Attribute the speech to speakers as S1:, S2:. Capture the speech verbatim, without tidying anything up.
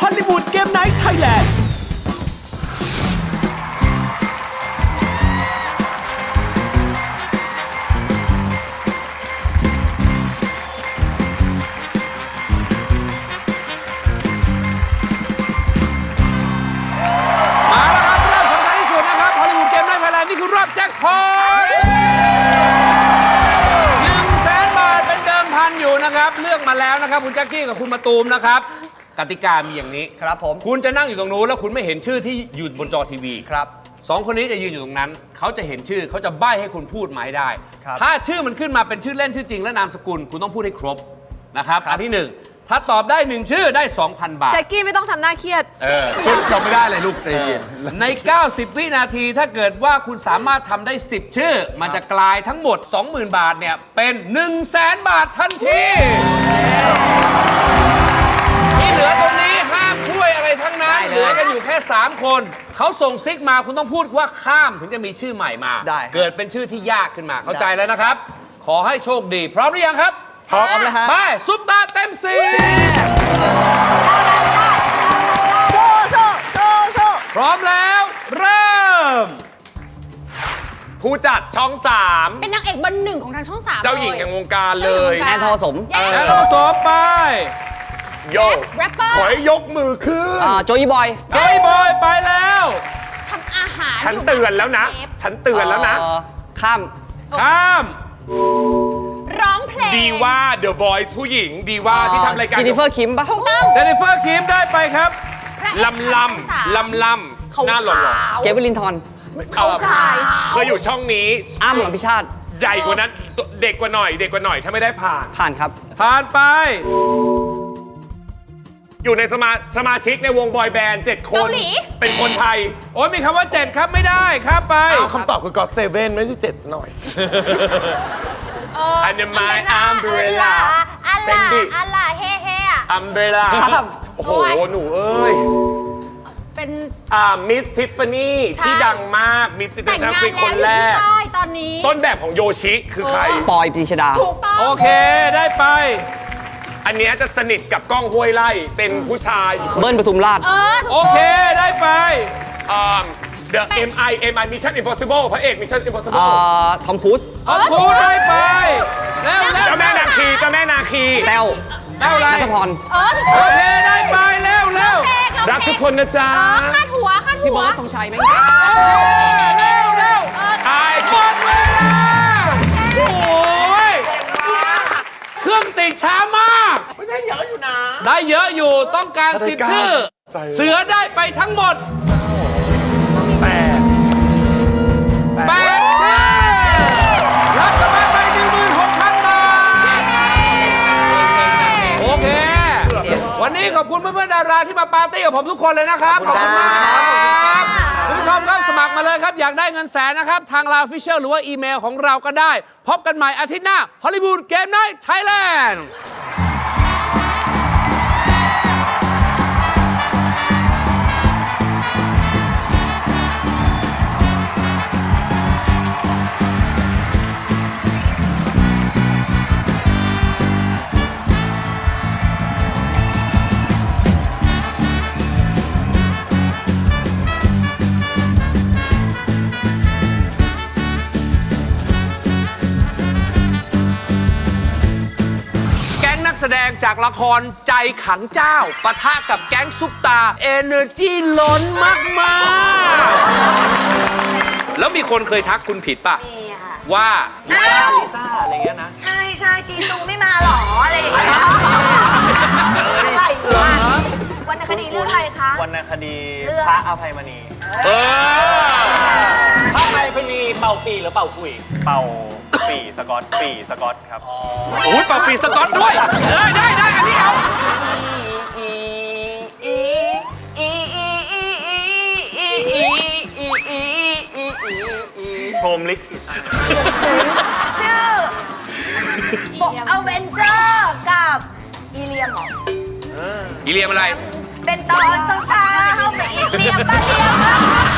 S1: อลลีวูดเกมไนท์ไทยแลนด์
S2: นี่คือรอบแจ็คพอตหนึ่งแสนบาทเป็นเดิมพันอยู่นะครับเลือกมาแล้วนะครับคุณแจ็คกี้กับคุณมาตูมนะครับกติกามีอย่างนี้
S3: ครับผม
S2: คุณจะนั่งอยู่ตรงนู้นแล้วคุณไม่เห็นชื่อที่อยู่บนจอทีวี
S3: ครับ
S2: สองคนนี้จะยืนอยู่ตรงนั้นเขาจะเห็นชื่อเขาจะใบ้ให้คุณพูดหมายได้ถ้าชื่อมันขึ้นมาเป็นชื่อเล่นชื่อจริงและนามสกุลคุณต้องพูดให้ครบนะครับอันที่หนึ่งถ้าตอบได้หนึ่งชื่อได้ สองพัน บาท
S4: แจ็คกี้ไม่ต้องทำหน้าเครียด
S2: เออ
S5: ตอบไม่ได้เลยลูกใจเย็น
S2: ในเก้าสิบวินาทีถ้าเกิดว่าคุณสามารถทำได้สิบชื่อมันจะกลายทั้งหมด สองหมื่น บาทเนี่ยเป็น หนึ่งแสน บาททันทีที่เหลือตรงนี้ห้ามช่วยอะไรทั้งนั้นเหลือกันอยู่แค่สามคนเขาส่งซิกมาคุณต้องพูดว่าข้ามถึงจะมีชื่อใหม่มาเกิดเป็นชื่อที่ยากขึ้นมาเข้าใจแล้วนะครับขอให้โชคดีพร้อมหรือยังครับ
S3: พร้อมแล้วฮะ
S2: ไปซุปตาเต็มสี
S4: โซ่โซ่โซ่โซ่
S2: พร้อมแล้วเริ่ม
S5: ผู้จัดช่องสาม
S6: เป็นนางเอกเบอร์หนึ่งของทางช่องสาม
S5: เจ้าหญิงแห่งวงการเลย
S3: แอนทอสม
S6: แอน
S2: แอนทอสมไป
S5: โย
S6: แรปเปอร์
S5: ขอให้ยกมือขึ้น
S3: อ่าโจยี่บอย
S2: เฮ้ยบอยไปแล้ว
S6: ทำอาหาร
S5: ฉันเตือนแล้วนะ
S6: เชฟ
S5: ฉันเตือนแล้วนะ
S3: เอ่อข้าม
S2: ข้าม
S6: ร้องเพลง
S5: ดีว่า The Voice ผู้หญิงดีว่าที่ทำรายการ
S3: จินนิเฟอร์คิมปะ
S6: ถูกต้อง
S2: เจนนิเฟอร์คิมได้ไปครับ
S6: พระเอก
S5: ลำลำลำลำหน้าหล่อ
S3: เกเวลินทอน
S5: ๆ
S4: เขาชาย
S5: เคยอยู่ช่องนี้
S3: อ้ำอภิชาติ
S5: ใหญ่กว่านั้นเด็กกว่าหน่อย เด็กกว่าหน่อยถ้าไม่ได้ผ่าน
S3: ผ่านครับ
S2: ผ่านไป
S5: อยู่ในสมาสมาชิกในวงบอยแบนด์เจ็ดคน
S6: เกาหลี
S5: เป็นคนไทย
S2: โอ้ยมีคำว่าเจ็ดครับไม่ได้ครับไป
S5: เอาคำตอบคือ God Seven ไม่ใช่เจ็ดหน่อย อันนี้ My Umbrella
S6: อัล
S5: เป็น
S6: ลา
S5: ดิ
S6: อัลลาเฮ่เฮ่อะ
S5: Umbrella
S3: ครับ
S5: โอ้โห หนูเอ้ย
S6: เป็น
S5: อ่ามิสทิฟฟานี่
S6: ใช่
S5: ที่ดังมากมิสทิฟฟา
S6: แต่ง
S5: นี่
S6: งาน
S5: เป็น
S6: แล้ว
S5: คน
S6: อยู่
S5: แรก
S6: ที่ใต้ตอนนี้
S5: ต้นแบบของโยชิคือใคร
S3: ปอยปรีชดา
S6: ถูกต้อง
S2: โอเคได้ไป
S5: อันเนี้ยจะสนิทกับก้องห้วยไล่เป็นผู้ชายอีกคน
S3: เบิ้ลปทุมราช
S6: เออถูก
S2: โอเคได้ไป
S5: อ่า The เอ็ม ไอ เอ็ม ไอ Mission Impossible พระเอก Mission
S3: เอ่
S5: Impossible
S3: อ ทอมครูซ
S2: ขอบคุณได้ไปแล้วแล้ว
S5: เจ้าแม่นาคีเจ้าแม่นาคี
S3: แต้ว
S2: แล้วอะไร
S3: นัทพร
S6: เออถูก
S2: โอ
S6: ต้อง
S2: เคได้ไปแล้วแล้ว
S6: เพลงเรา
S5: รักทุกคนนะจ๊ะ
S6: เออคาดหัวคาด
S3: พี่
S6: หัว
S3: เบิร์ดธงชัยไหม
S2: เร็วเร็ว
S6: เออ
S5: ตาย
S2: หมดเวลาโอ้ยเครื่องติดช้ามากได้เยอะอยู่นะได้เยอะอยู่ต้องการสิบชื่อ เสือได้ไปทั้งหมดแปดแปดชื่อรับสมัครไปหนึ่งหมื่นหกพันบาทโอเค วันนี้ขอบคุณเพื่อนๆดาราที่มาปาร์ตี้กับผมทุกคนเลยนะครับ ขอบคุณมากครับคุณผู้ชมครับสมัครมาเลยครับ อยากได้เงินแสนนะครับ ทางไลน์ Official หรือว่าอีเมลของเราก็ได้ พบกันใหม่อาทิตย์หน้าฮอลลีวูดเกมไนท์ไทยแลนด์แสดงจากละครใจขังเจ้าปะทะกับแก๊งซุปตาเอเนอร์จีล้นมากๆแล้วมีคนเคยทักคุณผิดป่ะว่าลิซ่าลิซ่าอะไรเงี้ยนะ
S4: ใช่ใช่จีซูไม่มาหรออะไรอย่างเงี้ยอะไรวะวรรณคดีเรื่องอะไรคะ
S7: วรรณคดีพระอภัยมณี
S2: เออ
S7: พระอภัยมณีเป่าปีหรือเป่าคุย เป่าปีสกอตปีสกอตครับ
S2: โอ้ยเป่าปีสก๊อตด้วยได้ได้ได้อันนี้เอา
S7: โพรหมลิขิต
S4: ชื่อบอกอเวนเจอร์กับอีเลียมเหรอ
S2: อีเลียมอะไร
S4: เป็นตอนสงครามเข้าไปอีเลียมปะเลียม